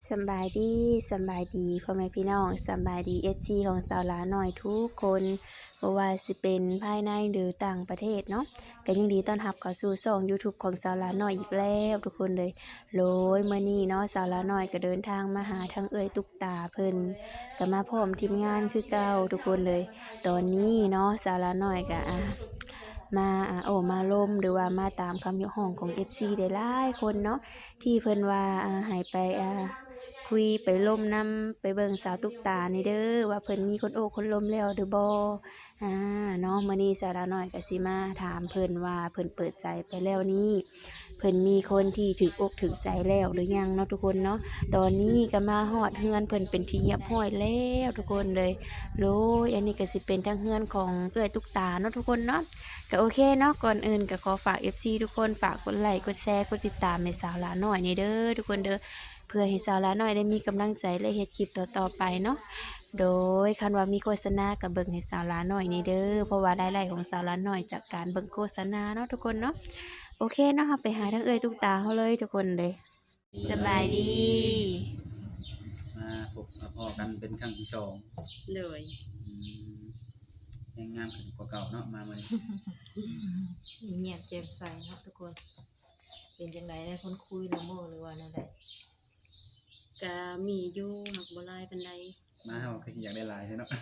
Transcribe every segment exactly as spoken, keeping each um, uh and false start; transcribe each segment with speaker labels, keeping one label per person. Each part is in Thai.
Speaker 1: สำบายดีสำบายดีพ่อแม่พี่น้องสำบายดีเอฟซีของสาวหลาหน่อยทุกคนบ่ว่าสิเป็นภายในหรือต่างประเทศเนาะก็ยินดีต้อนรับเข้าสู่ช่อง YouTube ของสาวหลาหน่อยอีกแล้วทุกคนเลยโลยมื้อนี้เนาะสาวหลาหน่อยก็เดินทางมาหาทั้งเอ่ยตุ๊กตาเพิ่นก็มาพร้อมทีมงานคือเก่าทุกคนเลยตอนนี้เนาะสาวหลาหน่อยก็อ่ะมาอ่ะโอ้มาล่มหรือว่ามาตามคำยกห้องของ เอฟ ซี ได้หลายคนเนาะที่เพิ่นว่าอ่าให้ไปอ่า คุยไปล่มน้ำไปเบิ่งสาวตุ๊กตานี่เด้อว่าเพิ่นมีคนโอ้คนล้มแล้วหรือบ่อ่าเนาะมื้อนี้สาวดาน้อยก็สิมาถามเพิ่นว่าเพิ่นเปิดใจไปแล้วนี่เพิ่นมีคนที่ถูกอกถูกใจแล้วหรือยังเนาะทุกคนเนาะตอนนี้ก็มาฮอดเฮือนเพิ่นเป็นที่เรียบร้อยแล้วทุกคนเลยโลยอันนี้ก็สิเป็นทั้งเฮือนของเอื้อยตุ๊กตาเนาะทุกคนเนาะก็โอเคเนาะก่อนอื่นก็ขอฝาก เอฟ ซี ทุกคนฝากกดไลค์กดแชร์กดติดตามให้สาวหลาน้อยนี่เด้อทุกคนเด้อ เพื่อให้สาวละน้อยได้มีกำลังใจและเฮ็ดคลิปต่อๆไปเนาะ โดยคันว่ามีโฆษณากับเบิ่งให้สาวละน้อยนี่เด้อ เพราะว่ารายได้ของสาวละน้อยจากการเบิ่งโฆษณาเนาะทุกคนเนาะ โอเคเนาะเราไปหาทั้งเอ่ยทุกตาเฮาเลยทุกคนเลยสบายดี
Speaker 2: มาพบมาพอกันเป็นครั้งที่สอง
Speaker 3: เลย
Speaker 2: อืมยังงามขึ้นกว่าเก่าเนาะมาเลย
Speaker 4: เงียบแจ่มใสเนาะทุกคน เป็นจังไดได้คนคุยละโมหรือว่าแนวใด
Speaker 3: ก็มีอยู่หักบ่หลายปานใด
Speaker 2: มาเฮาคือสิอยากได้หลายใช่เนาะ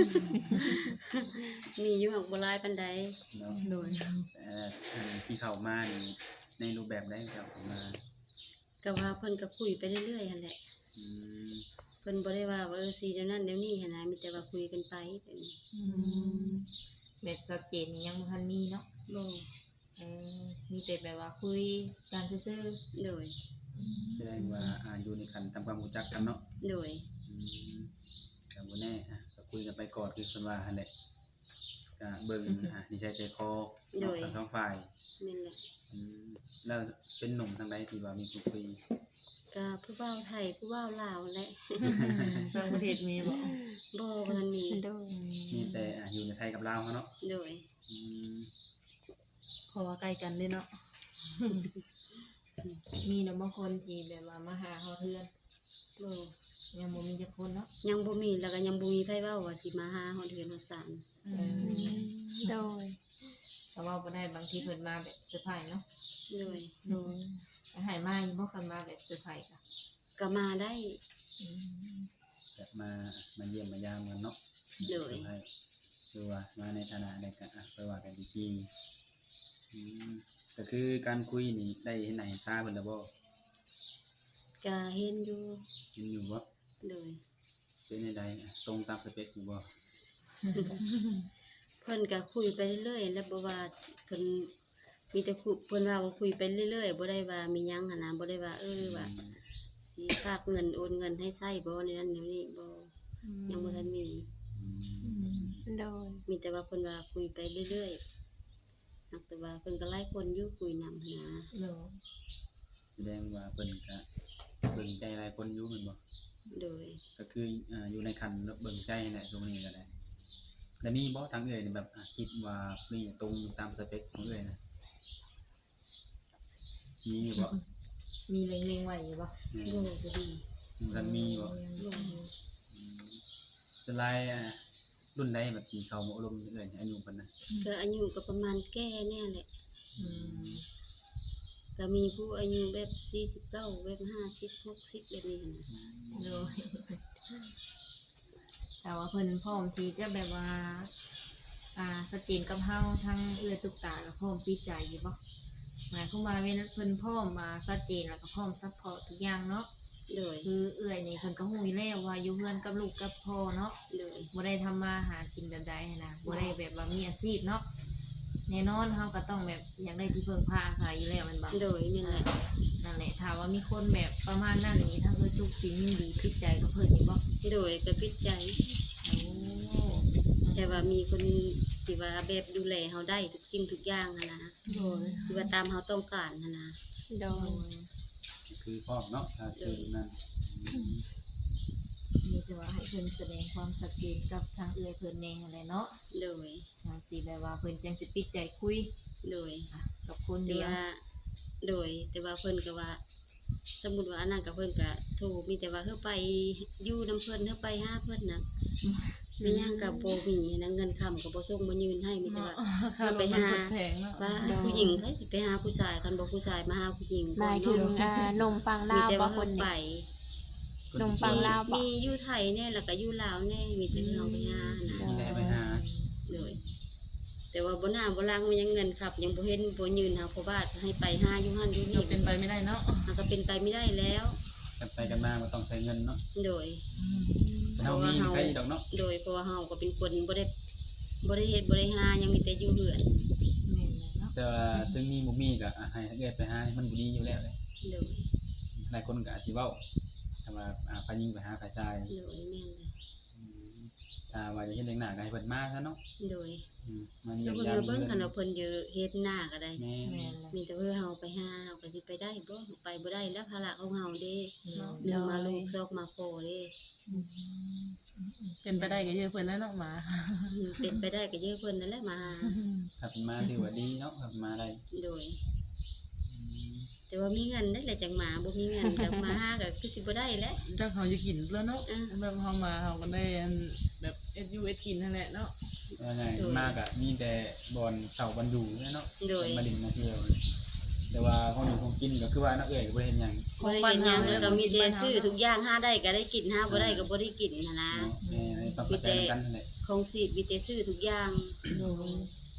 Speaker 3: มีอยู่หักบ่หลายปานใด
Speaker 2: เนาะ
Speaker 4: โดย
Speaker 2: แต่อันที่เข้ามานี่ในรูปแบบใดครับเข้ามา
Speaker 3: ก็ว่าเพิ่นก็คุยไปเรื่อยๆหั่นแหละ
Speaker 2: อืม
Speaker 3: เพิ่นบ่ได้ว่าว่าเออสิเดี๋ยวนั้นเดี๋ยวนี้หั่นนะมีแต่ว่าคุยกันไปเป็น
Speaker 4: อืมแบบชัดเจนนี่ยังบ่ทันมีเนาะ
Speaker 3: บ่
Speaker 4: เออมีแต่แบบว่าคุยกันซื่อ
Speaker 3: โดย
Speaker 2: แสดงว่าอ่าอยู่ในขั้นทำความรู้จักกันเนาะ
Speaker 3: โดย
Speaker 2: อืมก็บ่แน่อ่ะก็คุยกันไปก่อนคือเพิ่นว่าหั่นแหละก็เบิ่งอ่ะนิสัยใจคอเนาะทั้งสองฝ่าย
Speaker 3: แม่นแหละ
Speaker 2: อืมแล้วเป็นหนุ่มทางใดที่ว่ามีคุยคุย
Speaker 3: ก็ผู้เว้าไทยผู้เว้าลาวแหละ
Speaker 4: ๆต่างประเทศมีบ่
Speaker 3: บ่บ่ทันมี
Speaker 1: โดย
Speaker 2: มีแต่อ่ะอยู่ในไทยกับลาวเขาเนาะ
Speaker 3: โดย
Speaker 2: อืม
Speaker 4: เพราะว่าใกล้กันเด้เนาะ มีเนาะบางคนที่แบบว่ามาหาเฮาเทื่อน
Speaker 3: บ่
Speaker 4: ยังบ่มีจักคนเนาะ
Speaker 3: ยังบ่มีแล้วก็ยังบ่มีไผเว้าว่าสิมาหาฮอดเฮือนฮอดศาล
Speaker 4: เออ
Speaker 1: โดย
Speaker 4: แต่ว่าบ่ได้บางทีเพิ่นมาแบบเซอร์ไพรส์เนาะ
Speaker 3: โดย
Speaker 4: โดยหายมาอยู่บ่คันมาแบบเซอร์ไพรส์ก็
Speaker 3: ก็มาได้
Speaker 4: อืม
Speaker 2: แบบมามาเยี่ยมมายามกันเนาะ
Speaker 3: โดย
Speaker 2: ให้คือว่ามาในฐานะใดก็อ่ะไปว่ากันจริงๆอืมก็คือการคุยนี่ได้เห็นหน้าเห็นตาเพิ่นแล้วบ่
Speaker 3: ก็เห็นอยู่
Speaker 2: เห็นอยู่บ่
Speaker 3: โดย
Speaker 2: เป็นจังไดอ่ะตรงตามสเปคอยู่บ่
Speaker 3: เพิ่นก็คุยไปเรื่อยๆแล้วบ่ว่าเพิ่นมีแต่คุยเพิ่นว่าว่าคุยไปเรื่อยๆบ่ได้ว่ามีหยังหั่นน่ะบ่ได้ว่าเออว่าสิฝากเงินโอนเงินให้ใช้บ่ในนั้นในนี้บ่ยังบ่ทันมี
Speaker 2: อืม
Speaker 1: โดย
Speaker 3: มีแต่ว่าเพิ่นว่าคุยไปเรื่อยๆนักแต่ว่าเพิ่นก็หลายคนอยู่คุยนำหั้นนะ
Speaker 4: เนาะ
Speaker 2: แสดงว่าเพิ่นก็เบิ่งใจหลายคนอยู่แม่นบ่
Speaker 3: โดย
Speaker 2: ก็คืออ่าอยู่ในขั้นเบิ่งใจนั่นแหละตรงนี้ก็ได้แล้วมีบ่ทางเอ่ยนี่แบบอ่ะคิดว่านี่ตรงตามสเปคของเอ่ยนะมีอยู่บ่
Speaker 4: มีเล็งๆไว้อยู่บ่
Speaker 2: อืม
Speaker 3: โดยก็ดี
Speaker 2: มันมีบ่
Speaker 3: โดย
Speaker 2: สไลด์อ่ะรุ่นใดแบบที่เขามาอบรมเอ่ยอายุเพิ่นน่ะ
Speaker 3: ก็อายุก็ประมาณแก่เนี่ยแหละ
Speaker 4: อืม
Speaker 3: ก็มีผู้อายุแบบสี่สิบเก้าแบบห้าสิบ หกสิบแบบนี้หั่นน่ะ
Speaker 4: โดยแต่ว่าเพิ่นพร้อมที่จะแบบว่าอ่าสเจนกับเฮาทั้งเอื้อตุกตากับพร้อมปิดใจอยู่บ่หมายความว่าเวลาเพิ่นพร้อมมาชัดเจนแล้วก็พร้อมซัพพอร์ตทุกอย่างเนาะ
Speaker 3: โดย
Speaker 4: คือเอื้อยนี่เพิ่นก็ฮู้อยู่แล้วว่าอยู่เฮือนกับลูกกับพ่อเนาะ
Speaker 3: โดย
Speaker 4: บ่ได้ทำมาหากินแบบใดหั้นนะบ่ได้แบบว่ามีอาชีพเนาะแน่นอนเฮาก็ต้องแบบอยากได้ที่พึ่งพาอาศัยอยู่แล้วแมันบ่
Speaker 3: โดยนี่แหละ
Speaker 4: นั่นแหละถ้าว่ามีคนแบบประมาณนั้นนี่ทั้งเอ้ยทุกสิ่งยินดีคิดใจกับเพิ่นนี่บ่
Speaker 3: โดยก็ปิดใจ
Speaker 4: โอ้
Speaker 3: แต่ว่ามีคนที่ว่าแบบดูแลเฮาได้ทุกสิ่งทุกอย่างหั่นนะ
Speaker 4: โดย
Speaker 3: ที่ว่าตามเฮาต้องการหั่นนะ
Speaker 1: โด
Speaker 4: โด
Speaker 1: ย
Speaker 4: ย
Speaker 2: คือพร้อมเนาะถ้าคือนั่นอืม
Speaker 4: มีแต่ว่าให้เพิ่นแสดงความชัดเจนกับทางเอื้อยเพิ่นแน่นั่นแหละเนาะ
Speaker 3: โดย
Speaker 4: จังสิแบบว่าเพิ่นจังสิปิดใจคุย
Speaker 3: โดย
Speaker 4: อ่ะกับคน
Speaker 3: แต่
Speaker 4: เดียว
Speaker 3: ว่าโดย แต่ว่าเพิ่นก็ว่าสมมุติว่าอันนั้นกับเพิ่นก็โทรมีแต่ว่าเฮาไปอยู่นํเพิ่นเฮาไปหาเพิ่นน่ะมีหยังก็บ่มีนะเงินค้ำก็บ่ส่งบ่ยืนให้มีแต่ว่า
Speaker 5: ค่ารถมันเพิ่นแพงเนาะ
Speaker 3: ว่าผู้หญิงไผสิไปหาผู้ชายคันบ่ผู้ชายมาหาผู้หญิง
Speaker 1: หมายถึงอ่านมฟัง
Speaker 3: มี
Speaker 1: ลาว
Speaker 3: แต่
Speaker 1: บ่
Speaker 3: ว่า
Speaker 1: ค
Speaker 3: เฮาน ไป
Speaker 1: นี่ นมฟังลาวบ่
Speaker 3: มีอยู่ไทยแน่แล้วก็อยู่ลาวแน่มีแต่เฮาไปหานะ
Speaker 2: มีแต่ไปหา
Speaker 3: เลยแต่ว่าบ่หน้าบ่ล่างมันยังเงินครับยังบ่เห็นบ่ยืนหาพ่อบ้านให้ไปหาอยู่หั่นอยู่
Speaker 5: ก็
Speaker 3: นี่
Speaker 5: เป็นไปไม่ได้เนาะ
Speaker 3: มันก็เป็นไปไม่ได้แล้ว
Speaker 2: กันไปกันมาก็ต้องใช้เงินเนาะ
Speaker 3: โดย
Speaker 2: เฮามีใครดอกเนาะ
Speaker 3: โดยเพราะว่าเฮาก็เป็นคนบ่ได้บ่ได้เฮ็ดบ่ได้หายังมีแต่อยู่เรือน
Speaker 5: แม่นเลยเนาะ
Speaker 2: แต่ว่าถึงมีบ่มีก็อ่ะให้เอื้อยไปหามันบ่ดีอยู่แล้วเลย
Speaker 3: โดย
Speaker 2: หลายคนก็อาจสิเว้าถ้าว่าอ่าฝ่ายหญิงไปหาฝ่ายชาย
Speaker 3: โดยแม่นเลย
Speaker 2: อืมถ้าว่าจะเฮ็ดเลี้ยงหน้าก็ให้เพิ่นมาซะเนาะ
Speaker 3: โดย
Speaker 2: อืมมา
Speaker 3: คื
Speaker 2: เยี่
Speaker 3: อย
Speaker 2: ม
Speaker 3: เพิ่น
Speaker 2: ยาม
Speaker 3: มาเบิ่ง
Speaker 2: เพิ่
Speaker 3: คัน
Speaker 2: น
Speaker 3: ว่าเพิ่นอยู่เฮ็ดหน้าก็ได้
Speaker 2: แม่
Speaker 5: แม่นเลย
Speaker 3: มีแต่เพื่อเฮาไปหาเฮาก็สิไปได้บ่ไปบ่ได้แล้วภาระของเฮาเด้
Speaker 5: เนาะ
Speaker 3: หนึ่งมาลูกซอกมาโคเด้
Speaker 5: เป็นไปได้ก็เยอะเพิ่นแล้วเนาะหมา
Speaker 3: อืมเป็นไปได้ก็เยอะเพิ่นนั่นแหละมาหา
Speaker 2: ถ้าเพิ่นมาถือว่าดีเนาะถ้าเพิ่นมาได้
Speaker 3: โดย
Speaker 2: อืม
Speaker 3: แต่ว่ามีเงินได้แหละจังหมาบ่มีเงินก็มาหาก็คือสิบ่ได้แหละ
Speaker 5: เจ้าเขาจะกินแล้วเนาะ
Speaker 3: อ่า
Speaker 5: แบบเฮามาเฮาก็ได้อันแบบเอสยูเอสกินนั่นแหละเนาะ
Speaker 2: ว่าไงมากอะมีแต่บอลเสาบันดูเนาะ
Speaker 3: โดย
Speaker 2: มาดินมาเที่ยวแต่ว่าของอยู่ของกินก็คือว่านักเอ๋ยก็บ่ได้เห็นหยัง
Speaker 3: บ่ได้เห็นหยังแล้วก็มีแต่ซื้อทุกอย่างหาได้ก็ได้กินหาบ่ได้ก็บ่ได้กินหั้นนะ
Speaker 2: เนาะแม่ต้องเข้าใจกันนั่นแหละ
Speaker 3: ของสิมีแต่ซื้อทุกอย่าง
Speaker 5: โดย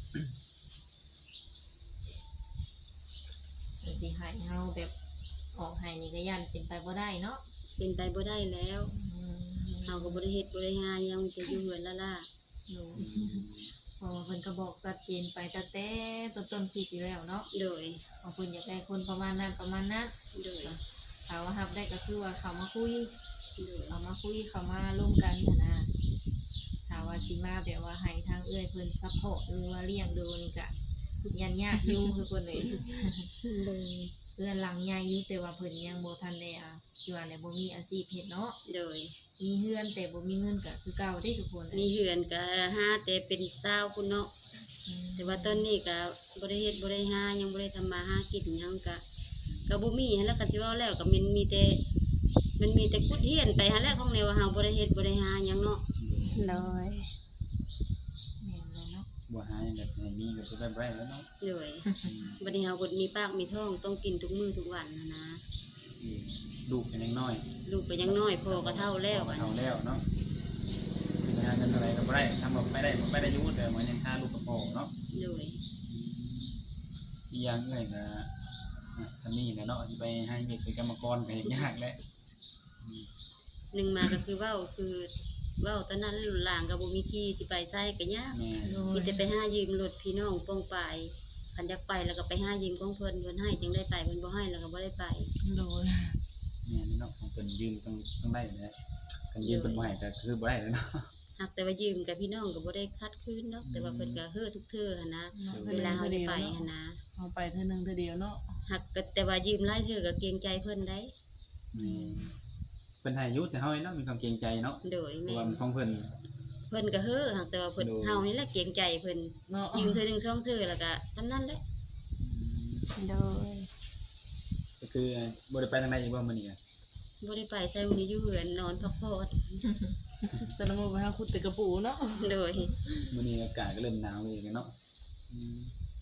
Speaker 4: สิให้เฮาแบบออกให้นี่ก็ย่านเป็นไปบ่ได้เนาะ
Speaker 3: เป็นไปบ่ได้แล้ว
Speaker 4: อืม
Speaker 3: เฮาก็บ่ได้เฮ็ดบ่ได้หาหยังมีแต่อยู่เฮือนละล่ะ
Speaker 4: โดยเพราะว่าเพิ่นก็บอกชัดเจนไปตั้งแต่ต้นๆคลิปอยู่แล้วเนาะ
Speaker 3: โดย
Speaker 4: ว่าเพิ่นอยากได้คนประมาณนั้นประมาณนั้น
Speaker 3: โดย
Speaker 4: ถ้าว่ารับได้ก็คือว่าเขามาคุย
Speaker 3: โดย
Speaker 4: เขามาคุยเขามาร่วมกันหั้นนะถ้าว่าสิมาแบบว่าให้ทางเอื้อยเพิ่นซัพพอร์ตหรือว่าเลี้ยงดูนี่ก็ยันยากอยู่คือเพิ่นเลย
Speaker 3: โดย
Speaker 4: เพื่อนหลังใหญ่อยู่แต่ว่าเพิ่นยังบ่ทันได้อ่ะคือว่าเนี่ยบ่มีอาชีพเฮ็ดเนาะ
Speaker 3: โดย
Speaker 4: มีเฮือนแต่บ่มีเงินก็คือเก่าเด้ทุกคน
Speaker 3: มีเฮือนก็หาแต่เป็นสาวพุ่นเนาะ
Speaker 4: อืม
Speaker 3: แต่ว่าตอนนี้ก็บ่ได้เฮ็ดบ่ได้หายังบ่ได้ทำมาหากินหยังก็ก็บ่มีหั้นแหล้วก็สิเว้าแล้วก็มันมีแต่มันมีแต่คุดเฮียนไปหั้นแหละของแนวว่าเฮาบ่ได้เฮ็ดบ่ได้หาหยังเนาะ
Speaker 1: เลย
Speaker 4: แม่นเลยเนาะ
Speaker 2: บ่หาหยังก็สิให้มีก็สิได้บ่ได้แล้วเนาะ
Speaker 3: โดยบัดนี้เฮาบ่มีปากมีท้องต้องกินทุกมื้อทุกวันนะนะ
Speaker 2: อืมลูกเป็นยังน้อย
Speaker 3: ลูกก็ยังน้อยพ่อก็เฒ่าแล้ว
Speaker 2: ก็
Speaker 3: อะ
Speaker 2: เฒ่าแล้วเนาะสิหาเงินเท่าไหร่ก็บ่ได้ทำบ่ไม่ได้บ่ได้อยู่แต่มันยังค่าลูกกับพ่อเนาะ
Speaker 3: โดย
Speaker 2: อีกอย่างเอ้ยก็อ่ะถ้ามีแหละเนาะสิไปให้เด็กเป็นกรรมกรก็เฮ็ดยากแหละอืม
Speaker 3: หนึ่งมาก็คือเว้าคือเว้าตอนนั้นหลางก็บ่มีที่สิไปไสก็ยาก
Speaker 2: แม่
Speaker 4: โด
Speaker 3: มี
Speaker 4: ย
Speaker 3: แต่ไปหายืมรถพี่น้องป้องปายคันอยากไปแล้วก็ไปหายืมของเพิ่นเพิ่นให้จึงได้ไปเพิ่นบ่ให้แล้วก็บ่ได้ไป
Speaker 5: โดย
Speaker 2: แม่นี่เนาะของเพิ่นยืมต้องต้องได้แหละกันยืมเพิ่นบ่ให้ก็คือบ่ได้แล้วเนาะ
Speaker 3: หากแต่ว่ายืมกับพี่น้องก็บ่ได้คัดคืนเนาะแต่ว่าเพิ่นก็เฮ้อทุกเทื่อหันนะ
Speaker 5: เนาะ
Speaker 3: เวลาเฮาจะไปหันนะ
Speaker 5: เฮาไปเทื่อนึงเทื่อเดียวเนาะ
Speaker 3: หากก็แต่ว่ายืมหลายเทื่อก็เกรงใจเพิ่นได้
Speaker 2: แม่เพิ่นให้อยู่แต่เฮาเนาะมีความเกรงใจเนาะ
Speaker 3: โดย
Speaker 2: เพ
Speaker 3: แม่
Speaker 2: ราะว่ามันของเพิ่น
Speaker 3: เพิ่นก็เฮ้อหากแต่ว่าเพิ่น
Speaker 2: โดย
Speaker 3: เฮานี่แหละเกรงใจเพิ่น
Speaker 5: เนาะ
Speaker 3: ยืมเทื่อหนึงสองเทื่อแล้วก็ซำนั้นแหละ
Speaker 1: โดย
Speaker 2: ก็คือบ่ได้ไปทางใดอีกบ่มื้อนี้อะ
Speaker 3: บ่ได้ไปใส่มื้อนี้อยู่เฮือนนอนพักผ่อน
Speaker 5: แต่ละมื้อไปหาขุดแต่กระปูเนาะ
Speaker 3: โดย
Speaker 2: มื้อนี้อากาศก็เริ่มหนาวอีกแล้วเนาะอืม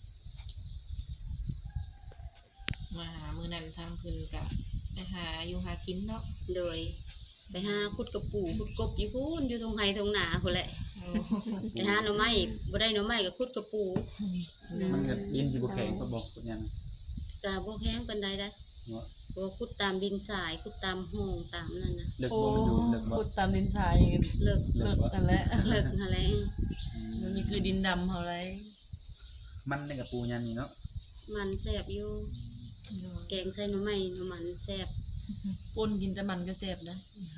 Speaker 4: มาหามื้อนั้นทางเพิ่นก็ไปหาอยู่หากินเนาะ
Speaker 3: โดย ไปหาขุดกระปูขุดกบอยู่พูนอยู่ตรงไห้ตรงหนาพุ่นแหละ
Speaker 4: โอ้
Speaker 3: ไปหาหน่อไม้บ่ได้หน่อไม้ก็ขุดกระปู
Speaker 2: มันก็ดินสิบ่แข็งก็บอกพุ่นยัง
Speaker 3: ก็บ่แห้งปานใดได้
Speaker 2: เนาะ
Speaker 3: บ่ขุดตามดินทรายขุดตามห้องตามนั่นน่ะ
Speaker 2: เลิก
Speaker 5: โอ้
Speaker 2: บ่มันอยู่เลิกบ่
Speaker 5: ขุดตามดินทราย
Speaker 3: เลิก
Speaker 2: เลิ
Speaker 5: เลิ
Speaker 2: ก
Speaker 5: ก
Speaker 2: บ่
Speaker 5: กันแล้ว
Speaker 3: เลิกหั่นแหละ
Speaker 2: อืม
Speaker 5: มันมีคือดินดำเฮาไร
Speaker 2: มันนี่กับปูยันนี่เนาะ
Speaker 3: มันแซ่บอยู่
Speaker 4: โดย
Speaker 3: แกงใส่หน่อไม้หน่อมันแซ่บ
Speaker 5: ปนกินแต่มันก็แซ่บนะ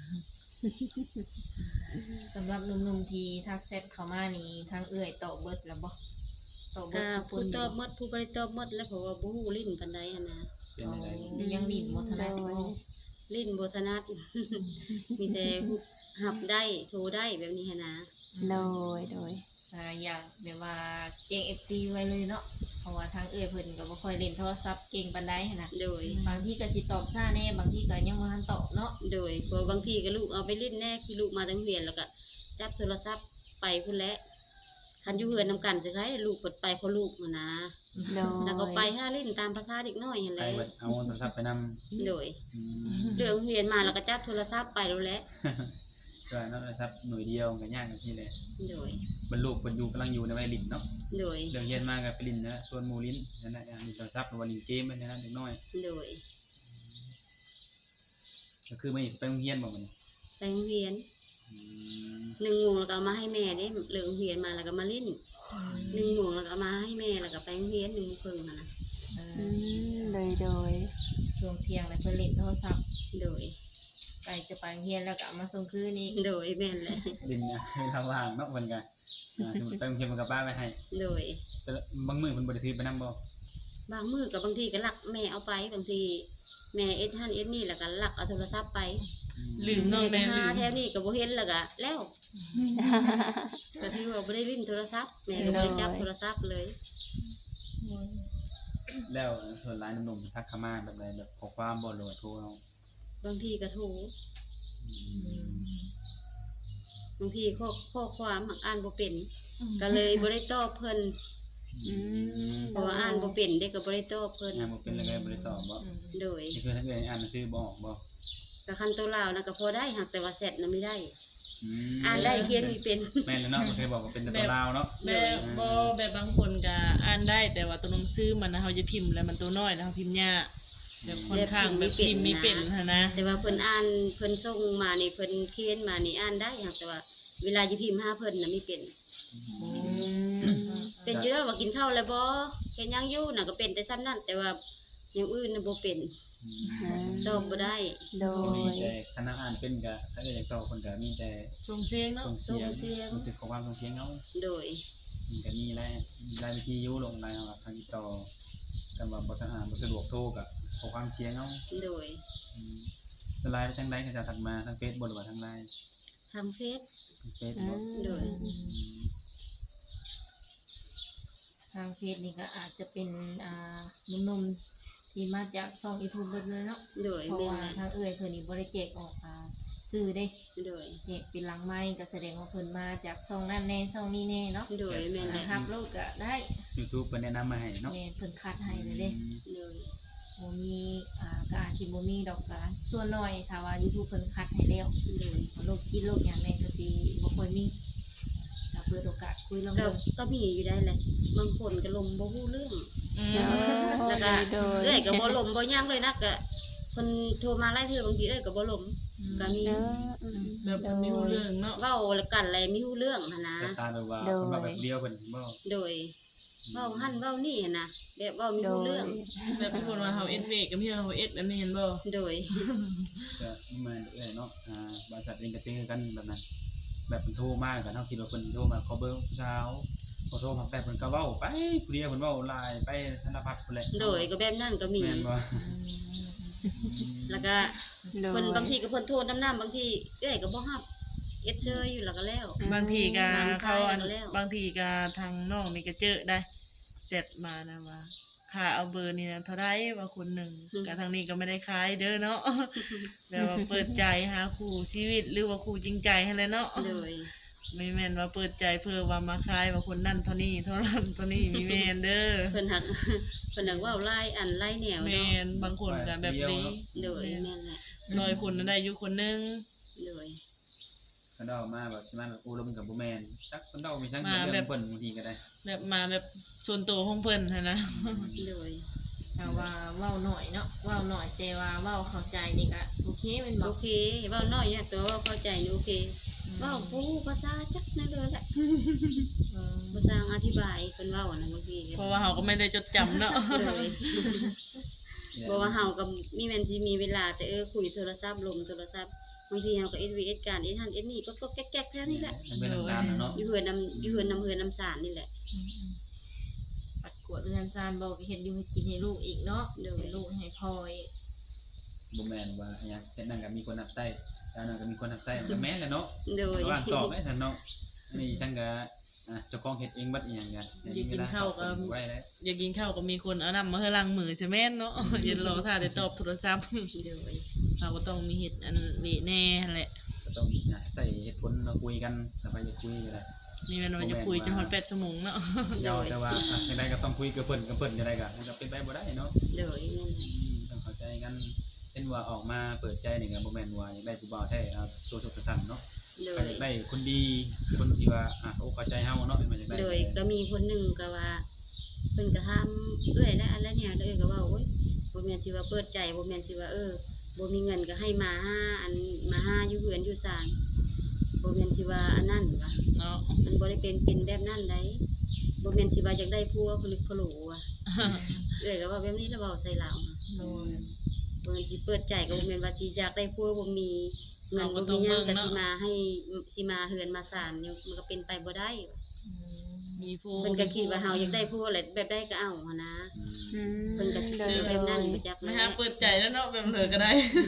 Speaker 4: สำหรับหนุ่มๆที่ทักแชทเข้ามานี่ทางเอื้อยตอบเบิดแล้วบ่ตอบเบิ
Speaker 3: ก็
Speaker 4: ดทุกค
Speaker 3: ผู้
Speaker 4: น
Speaker 3: ตอบหมดผู้บ่ได้ตอบหมดแล้วเพราะว่าบ่ฮู้ลิ้นปานใดหั่นนะ
Speaker 2: เป็นอะไร
Speaker 4: ยังดิ้นบ่ถนัดบ่
Speaker 3: ลิ้นบ่ถนัด มีแต่หับได้โทรได้แบบนี้หั่นนะ
Speaker 1: โดยโดย
Speaker 4: อ่าอยากแบบว่าแจ้ง เอฟ ซี ไว้เลยเนาะเพราะว่าทางเอื้อยเพิ่นก็บ่ค่อยเล่นโทรศัพท์เก่งปานใดหั้นน่ะ
Speaker 3: โดย
Speaker 4: บางทีก็สิตอบช้าแน่บางทีก็ยังบ่ทันตอบเนาะ
Speaker 3: โดยเพราะบางทีก็ลูกเอาไปเล่นแน่คือลูกมาตั้งเรียนแล้วก็จับโทรศัพท์ไปพุ่นแหละคันอยู่เฮือนนำกันจะให้ลูกเปิดไปเพราะลูกหั้นนะ
Speaker 1: โดย
Speaker 3: แล้วก็ไปหาเล่นตามภาษาเด็กน้อยหั่นแห
Speaker 2: ไป
Speaker 3: ละ
Speaker 2: เบิดเอาโทรศัพท์ไปนำ
Speaker 3: โดย
Speaker 2: อืม
Speaker 3: เรื่องเรียนมาแล้วก็จับโทรศัพท์ไปแล้วแหละ
Speaker 2: ก็เนาะโทรศัพท์หน่วยเดียวก็ยากกันที่แหละ
Speaker 3: โดย
Speaker 2: บรรลุบรรยูกำลังอยู่ในวัยลิ้นเนาะ
Speaker 3: โดย
Speaker 2: เรื่องเรียนมาก็ไปลิ้นนะส่วนหมู่ลิ้นนั่นแหละอ่ามีโทรศัพท์หรือว่าลิ้นเกมนั่นนะเด็กน้อย
Speaker 3: โดย
Speaker 2: ก็คือไม่ไปโรงเรียนบ่มัน
Speaker 3: ไปโรงเรียน
Speaker 2: อืม
Speaker 3: หนึ่งโมงแล้วก็เอามาให้แม่เด้เลิกโรงเรียนมาแล้วก็มาเล่นหนึ่งโมงแล้วก็เอามาให้แม่แล้วก็ไปโรงเรียนหนึ่งโมงครึ่งหั่นนะ
Speaker 4: เอ
Speaker 1: อื
Speaker 4: อ
Speaker 1: มโดยโดย
Speaker 4: ช่วงเที่ยงแล้วเพิ่นเล่นโทรศัพท์
Speaker 3: โดย
Speaker 4: ใกล้จะไปโรงเรียนแล้วก็เอามาส่งคืนอีก
Speaker 3: โดยแม่นแหละ
Speaker 2: ลิ้นนะเวลาว่างเนาะเพิ่นก็อ่าสมมุติไปโรงเรียนมันก็ป้าไว้ให้
Speaker 3: โดย
Speaker 2: แต่บางมื้อเพิ่นบ่ได้ถือไปนำบ่
Speaker 3: บางมื้อกับบางทีก็ลักแม่เอาไปบางทีแม่เอ็ดฮันเอ็ดนี่แล้วก็ลักเอาโทรศัพท์ไป
Speaker 5: ลืมเนาะ
Speaker 3: แม่
Speaker 5: แม่
Speaker 3: ก็หา
Speaker 5: ลืม
Speaker 3: แถวนี้ก็บ่เห็นแล้วก็แล้วก็ที่ว่าบ่ได้ลิ้นโทรศัพท์แม่ก็บ่ได้จับโทรศัพท์เลย
Speaker 2: แล้วส่วนหลายหนุ่มๆทักเข้ามาแบบใดแบบข้อความบ่หรือว่าโทรเอา
Speaker 3: บางทีก็โทร
Speaker 2: อื
Speaker 4: อื
Speaker 2: ม
Speaker 4: ม
Speaker 3: บางทีข้อข้อความหักอ่านบ่เป็นก็เลยบ่ได้ตอบเพิ่น
Speaker 1: อืม
Speaker 3: เพราะว่าอ่านบ่เป็นเด็กก็บ่ได้ตอบเพิ่น
Speaker 2: งานบ่เป็นแล้วก็บ่ได้ตอบบ่
Speaker 4: อืม
Speaker 3: โดย
Speaker 2: นี่คือถ้าเกิดอ่านหนังสือบ่ออกบ่
Speaker 3: ก็คันตัวลาวนะก็พอได้หักแต่ว่าแซดน่ะไม่ได้
Speaker 2: อืม
Speaker 3: อ่านได้เขียนมีเป็น
Speaker 2: แม่นแล้วเนาะบ่เคยบอกว่าเป็นแต่ตัวลาวเนาะ
Speaker 5: แบบบ่แบบบางคนก็อ่านได้แต่ว่าตัวหนังสือมันนะเฮาจะพิมพ์แล้วมันตัวน้อยแล้วเฮาพิมพ์ยากแบบค่อนข้างแบบพิมพ์มีเป็นหั้นนะ
Speaker 3: แต่ว่าเพิ่นอ่านเพิ่นส่งมานี่เพิ่นเขียนมานี่อ่านได้หักแต่ว่า เวลาจะพิมพ์หาเพิ่นน่ะไม่เป็น
Speaker 5: อืม
Speaker 3: เป็นอยู่แล้วว่ากินข้าวแล้วบ่เฮ็ดหยังอยู่น่ะก็เป็นแต่ซ้ำนั้นแต่ว่าอย่างอื่นน่ะบ่เป็น
Speaker 2: อืม
Speaker 1: อืม
Speaker 3: ตอบบ่ได้
Speaker 1: โด
Speaker 2: มี
Speaker 1: ย
Speaker 2: แต่คณะอ่านเป็นก็ถ้าเกิดอยากตอบคนก็มีแต่
Speaker 5: ส่งเสียงเนาะ
Speaker 2: ส่งเสียง
Speaker 3: ส่งเสียง
Speaker 2: บันทึกข้อความส่งเสียงเอา
Speaker 3: โดย
Speaker 2: มันก็มีหลายมีหลายวิธีอยู่ลงไลน์เอาทางติดต่อกันว่าบ่ทันอ่านบ่สะดวกโทรก็ข้อความเสียงเอา
Speaker 3: โดย
Speaker 2: อืมแล้วไลน์ไปทางใดก็จะทักมาทางเฟซบ่หรือว่าทางไลน์
Speaker 3: ทางเฟซ
Speaker 2: ทางเฟซ
Speaker 1: อื
Speaker 2: บ่
Speaker 1: ม
Speaker 3: โดย
Speaker 2: อืม
Speaker 4: ทางเฟซนี่ก็อาจจะเป็นอ่าหนุ่มๆที่มาจากช่อง YouTube เบิดเลยเนาะ
Speaker 3: โดย
Speaker 4: เพราะ
Speaker 3: แม่น
Speaker 4: ว่า
Speaker 3: แหละ
Speaker 4: ทางเอื้อยเพิ่นนี่บ่ได้แจกออกอ่าสื่อเด้
Speaker 3: โดย
Speaker 4: แจกเป็นหลังไม้ก็แสดงว่าเพิ่นมาจากช่องนั้นแน่ช่องนี้แน่เนาะ
Speaker 3: โดยแม่นแหละ
Speaker 4: นะครับโลกก็ได้
Speaker 2: YouTube เพิ่นแนะนำมาให้เนาะ
Speaker 4: แม่นเพิ่นคัดให้เลยเด้
Speaker 2: อืม
Speaker 3: โดย
Speaker 4: บ่มีอ่าก็อาจสิบ่มีดอกก็ส่วนน้อยถ้าว่า YouTube เพิ่นคัดให้แล้ว
Speaker 3: โดย
Speaker 4: โลกกินโลกหยังแม่นก็สิบ่ค่อยมีก็เปิดโอกาสคุยลอง
Speaker 3: ก็
Speaker 4: เบิ่ง
Speaker 3: ก็มีอยู่ได้แหละบางคนก็ลมบ่ฮู้เรื่อง
Speaker 5: อืม
Speaker 3: แล้วก็
Speaker 1: โดย
Speaker 3: เอ้ยก็บ่ลมบ่ย่างเลยนะก็เพิ่นโทรมาหลายเทื่อบางทีเอ้ยก็บ่ลมก็มี
Speaker 1: เอออืม
Speaker 5: แบบมันมีรู้เรื่องเนาะ
Speaker 3: เว้าแล้วกันอะไรมีฮู้เรื่องหั่นนะ
Speaker 2: สไตล์แบบว่า
Speaker 1: โดย
Speaker 2: เพิ่นมาแบบเดียวเพิ่นบ่
Speaker 3: โดยเว้าหั่นเว้านี่หั่นนะแบบเว้ามี
Speaker 1: โด
Speaker 3: ฮู้
Speaker 1: ย
Speaker 3: เรื่อง
Speaker 5: แบบสมมุติว่าเฮาเอ็ดเวกกับพี่เฮาเอ็ดอันนี้เห็นบ่
Speaker 3: โดย
Speaker 2: ก็มาเรื่อยๆเนาะอ่าบริษัทเองก็เจอกันแบบนั้น แบบเพิ่นโทรมาก็เฮาคิดว่าเพิ่นโทรมาขอเบอร์ผู้สาวพอโทรมาแป๊บเพิ่นก็เว้าไปผู้เดียวเพิ่นเว้าหลายไปสารพัดพุ่นแหละ
Speaker 3: โดยก็แบบนั้นก็มี
Speaker 2: แม่นบ่
Speaker 3: แล้วก็
Speaker 1: โดย
Speaker 3: เพิ่นบางทีก็เพิ่นโทรน้ำน้ำบางทีเอ้ยก็บ่รับเอ็ดเชยอยู่แล้วก็แล้ว
Speaker 5: บางทีก็
Speaker 3: บาง
Speaker 5: เขาอัน
Speaker 3: สายแล้ว
Speaker 5: บางทีก็ทางน้องนี่ก็เจอได้เสร็จมานะว่าค่าเอาเบอร์นี่นะเท่าไรว่าคนหนึ่งกับทางนี้ก็ไม่ได้ขายเด้อเนาะ แบบว่าเปิดใจหาคู่ชีวิตหรือว่าคู่จริงใจให้เลยเนาะ
Speaker 3: โดย
Speaker 5: ไม่แม่นว่าเปิดใจเพื่อว่ามาขายว่าคนนั่นเท่านี้เท่านั้นเท่านี้มีแม่นเด้อ
Speaker 3: เพิ่นหัก เพิ่นหักเว้าหลายอันหลายแนว
Speaker 5: แม่
Speaker 3: เนาะ
Speaker 5: นบางคนก็แบบนี้
Speaker 3: โดยแม่นแหละ
Speaker 5: น้อยคนนั้นได้อยู่คนหนึง
Speaker 3: โดย
Speaker 2: เพิ่นเดามาแบบสิมาแบบโอ้ลมกับบ่แม่นจักเพิ่นเดามีสังเรื่องเพิ่นบางทีก็ได้
Speaker 5: แบบมาแบบส่วนตัวของเพิ่นหั้นนะ
Speaker 3: โดย
Speaker 4: ถ้าว่าเว้าหน่อยเนาะเว้าหน่อยแต่ว่าเว้าเข้าใจนี่ก็โอเคแม่นบ่
Speaker 3: โอเคเว้าน้อยเนี่ยตัวเว้าเข้าใจนี่โอเคเว้าผู้ภาษาจักนั่นเลยแหละ
Speaker 4: เออ
Speaker 3: ภาษาอธิบายเพิ่นเว้านะบางที
Speaker 5: เพราะว่าเขาก็ไม่ได้จดจำเนาะ
Speaker 3: โดยบ่ว่าเฮาก็มีแม่นสิมีเวลาแต่เออคุยโทรศัพท์ลมโทรศัพท์บางทีเฮาก็ เอส วี เอส การ เอส ฮัน เอส นี่ก็ก็แก๊กๆแค่นี้แหละ
Speaker 2: มันเป็นน้ำตาลน่ะเนาะ
Speaker 3: อยู่เฮือนน้ำอยู่เฮือนน้ำเฮือนน้ำสารนี่แหละ
Speaker 4: ปัดกวดเรือนซานบ่ก็เฮ็ดอยู่ให้กินให้ลูกอีกเนาะ
Speaker 3: โดย
Speaker 4: ให้ลูกให้พ่ออีก
Speaker 2: บ่แม่นว่าอิหยังเฮ็ดนั่นก็มีคนรับใช้แล้วนั่นก็มีคนรับใช้มันก็แม่นแหละเนาะ
Speaker 3: โดย
Speaker 2: ว่างตอบได้ซั่นเนาะอันนี้ฉันก็อ่ะเจ้าของเฮ็ดเองบัดอีหยังกัน
Speaker 5: อยากกินข้าวก็
Speaker 2: ไว้แล้ว
Speaker 5: อยากกินข้าวก็มีคนเอานำมาให้ล้างมือใช่แม่นเนาะ อย่ารอถ้าได้ตอบโทรศัพท์
Speaker 3: โดย
Speaker 5: เราก็ต้องมีเฮ็ดอันนี้แน่แหละ
Speaker 2: ก็ต้องอ่ะใส่เหตุผลมาคุยกันแล้วไปจะคุยกันได้
Speaker 5: มีแม่นว่าจะคุยจนฮอดแปดชั่วโมงเนาะ
Speaker 2: ยาวแต่ว่าอ่ะจังไดก็ต้องคุยกับเพิ่นกับเพิ่นจังไดก็มันก็เป็นไปบ่ได้เนาะ
Speaker 3: โดยนั่นแหละ
Speaker 2: อืมต้องเข้าใจกันเช่นว่าออกมาเปิดใจนี่ก็บ่แม่นว่าอยากได้ผู้บ่าวแท้เอาตัวสุดตัวสั่นเนาะ
Speaker 3: โด
Speaker 2: ก็
Speaker 3: ย
Speaker 2: อยากได้คนดีคนที่ว่าอ่ะโอ้เข้าใจเฮาเนาะมันอยากได้
Speaker 3: โดยก็มีคนหนึ่งก็ว่าเพิ่นก็ถามเอื้อยและอันแล้วเนี่ยแล้วเอื้อยก็ว่าโอ๊ยบ่แม่นสิว่าเปิดใจบ่แม่นสิว่าเออบ่มีเงินก็ให้มาหาอันมาหาอยู่เฮือนอยู่ศาลบ่แม่นสิว่าอันนั้นว่ะ
Speaker 5: เนาะ
Speaker 3: มันบ่ได้เป็นเป็นแบบนั้นได้บ่แม่นสิว่าอยากได้ผัวผลึกผโหลว่ะ เอื้อยก็ว่าแบบนี้แล้วเว้าใส่ลาวค่ะ
Speaker 5: โดย
Speaker 3: บ่แม่นสิเปิดใจก็บ่แม่นว่าสิอยากได้ผัวบ่มีเงินบ่มีหยังก็สิมาให้สิมาเฮือนมาศาลเนี่ยมันก็เป็นไปบ่ได้ว่ะ
Speaker 5: มีผู้
Speaker 3: เพิ่นก็คิดว่าเฮาอยากได้ผู้อะไรแบบใดก็เอาหันนะ
Speaker 2: อืม
Speaker 1: อืม
Speaker 3: เพิ่นก็สิ
Speaker 1: โด
Speaker 3: ซื้
Speaker 1: ย
Speaker 3: อแบบนั้นไปจัก
Speaker 5: ไม่
Speaker 3: แล้
Speaker 5: หาว เปิดใจแล้วเนาะแบบเหลือก็ได้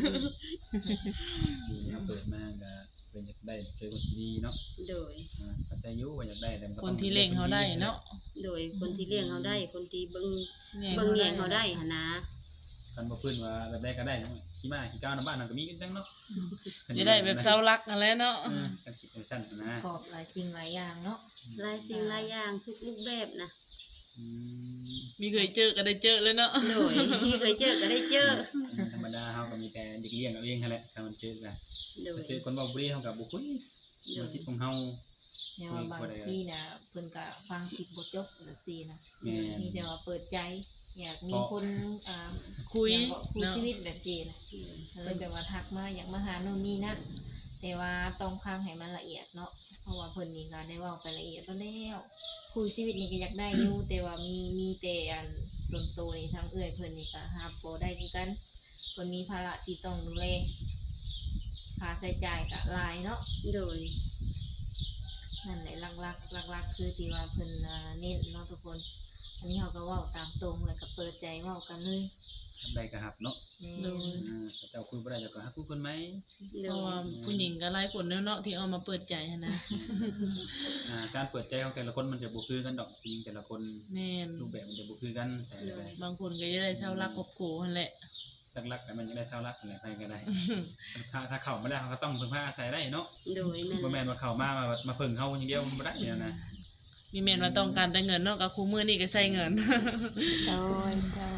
Speaker 2: ทีนี้เปิดมาก็เป็นอยากได้เจอคนที่ดีเนาะ
Speaker 3: โดย
Speaker 2: อ่าเข้าใจอยู่ว่าอยากได้แต่มัก็
Speaker 5: ค
Speaker 2: ต้อน ง
Speaker 5: ที่เล่งเขาได้เนาะ
Speaker 3: โดยคนที่เลี้ยงเฮาได้ คนที่เบิ่ง
Speaker 5: แย่
Speaker 3: เบิ่งแยงเฮาได้หันนะ
Speaker 2: กันบ่เพิ่นว่าแบบใดก็ได้เนาะขี้มาขี้ก้าวนํบ้านนั่นก็มีกันจังเนาะ
Speaker 5: จะได้แบบเศร้ารักนั่นแหละเนาะ
Speaker 2: เออกันคิดจังซั่นนะ
Speaker 4: ประกอบหลายสิ่งหลายอย่างเนาะ
Speaker 3: หลายสิ่งหลายอย่างทุกรูปแบบนะ
Speaker 2: อืม
Speaker 5: มีเคยเจอก็ได้เจอเลยเนาะ
Speaker 3: โดยเคยเจอก็ได้เจอ
Speaker 2: ธรรมดาเฮาก็มีแต่เด็กเลี้ยงเอาเองนั่นแหละถ้ามันเจอกัน
Speaker 3: โดย
Speaker 2: เจอคนเว้าบ่ดีเฮาก็บ่คุยมันคิดของเฮา
Speaker 4: แต่ว่าบางที่นะเพิ่นก็ฟังคลิปบ่จบแบบซี่นะ
Speaker 2: แม่น
Speaker 4: มีแต่ว่าเปิดใจ อยากมีคนอ่า
Speaker 5: คุย
Speaker 4: อยากคุย
Speaker 5: เนาะ
Speaker 4: ชีวิตแบบซี่นะก็เลยแบบว่าทักมาอยากมาหาโน่นนี่นั่นแต่ว่าต้องฟังให้มันละเอียดเนาะเพราะว่าเพิ่นนี่ก็ได้เว้าไปละเอียดแล้วแล้วคุยชีวิตนี่ก็อยากได้อยู่ แต่ว่ามีมีแต่อันตนโตนี่ทางเอื้อยเพิ่นนี่ก็รับบ่ได้คือกันเพิ่นมีภาระที่ต้องดูแลค่าใช้จ่ายก็หลายเนาะ
Speaker 3: โดย
Speaker 4: นั่นแหละหลักๆหลักๆคือที่ว่าเพิ่นอ่าเน้นเนาะทุกคน อันนี้เขาก็เว้าตามตรงแล้วก็เปิดใจเว้ากันเลย
Speaker 2: ทำได้ก็หับเนาะ
Speaker 4: แม่
Speaker 5: โดย
Speaker 4: น
Speaker 2: อ่าถ้าเจ้าคุยบ่ได้เจ้าก็หาคุยคนไหม
Speaker 3: โด
Speaker 5: เพราะ
Speaker 3: ย
Speaker 5: ว่าผู้หญิงก็หลายคนแล้วเนาะที่เอามาเปิดใจหั้นนะ
Speaker 2: อ่าการเปิดใจของแต่ละคนมันจะบ่คือกันดอกผู้หญิงแต่ละคน
Speaker 5: แม่น
Speaker 2: รูปแบบมันจะบ่คือกันแต่ละ
Speaker 5: บางคนก็จะได้เช่ารักครอบครัวหั่นแหละ
Speaker 2: หลักๆแต่มันจะได้เศร้ารักอะไรไปก็ได้ ถ้าถ้าเข้ามาได้เขาก็ต้องพึ่งพาอาศัยได้เนาะ
Speaker 3: โดยแม่น
Speaker 2: บ่แม่นว่าเข้ามามามาพึ่งเฮาอย่างเดียวมันบ่ได้เนี่ยนะ
Speaker 5: มีแม่นว่าต้องการแต่เงินเนาะก็คู่มือนี่ก็ใช้เงิน
Speaker 1: โดยโดย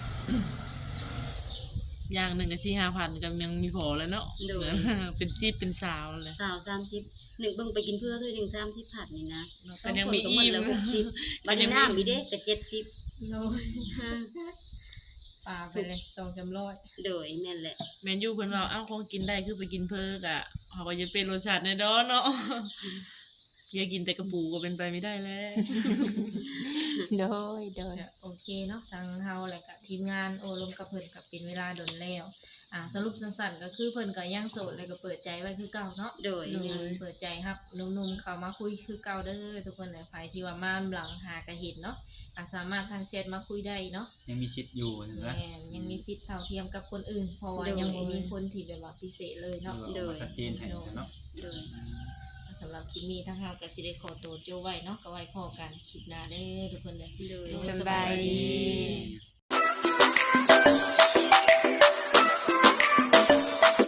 Speaker 5: อย่างหนึ่งก็สี่ห้าพันก็ยังมีพอแล้วเนาะ
Speaker 3: โดย
Speaker 5: เป็นซีบเป็นสาวเลย
Speaker 3: สาวสามสิบหนึ่งเบิ่งไปกินเพื่อคือหนึ่งสามสิบผัดนี่นะ
Speaker 5: แต่ยังมี
Speaker 3: ส
Speaker 5: อิ่
Speaker 3: คน
Speaker 5: ม
Speaker 3: ก็หดละหกสิบบัดนี้น้ำมีเด้ก็เจ็ดสิบ
Speaker 4: โดยปลาไปเลยสองจำร้อย
Speaker 3: โดยแม่นแหละ
Speaker 5: แมนยูเพิ่นว่าเอ้าของกินได้คือไปกินเพิ่กอะเขาก็จะเป็นรสชาติในดอนเนาะ อย่ากินแต่กระปูก็เป็นไปไม่ได้แล้ว
Speaker 1: โดยโดย
Speaker 4: โอเคเนาะทางเฮาแล้วก็ทีมงานโอลมกับเพิ่นก็เป็นเวลาดนแล้วอ่าสรุปสั้นๆก็คือเพิ่นก็ยังโสดแล้วก็เปิดใจไว้คือเก่าเนาะ
Speaker 3: โดย
Speaker 4: โด
Speaker 3: แม่น
Speaker 4: ยเปิดใจครับหนุ่มๆเข้ามาคุยคือเก่าเด้อทุกคนเลยใครที่ว่ามาหลังหากะเห็นเนาะอ่ะสามารถทางแชทมาคุยได้เนาะ
Speaker 2: ยังมีชิดอยู่เห็นไหม
Speaker 4: แม่นยังมีสิทธิ์เท่าเทียมกับคนอื่น เพราะว่ายังบ่มีคนที่แบบว่าพิเศษเลยเนาะ
Speaker 2: เออมาชัดเจนให้เนาะ
Speaker 3: โดย
Speaker 4: สำหรับคลิปนี้ทางเฮาก็สิได้ขอตัวโจไว้เนาะก็ไว้พอกันคลิปหน้าเด้อทุกคนเลย
Speaker 3: โดย
Speaker 1: สบายดี
Speaker 2: ดี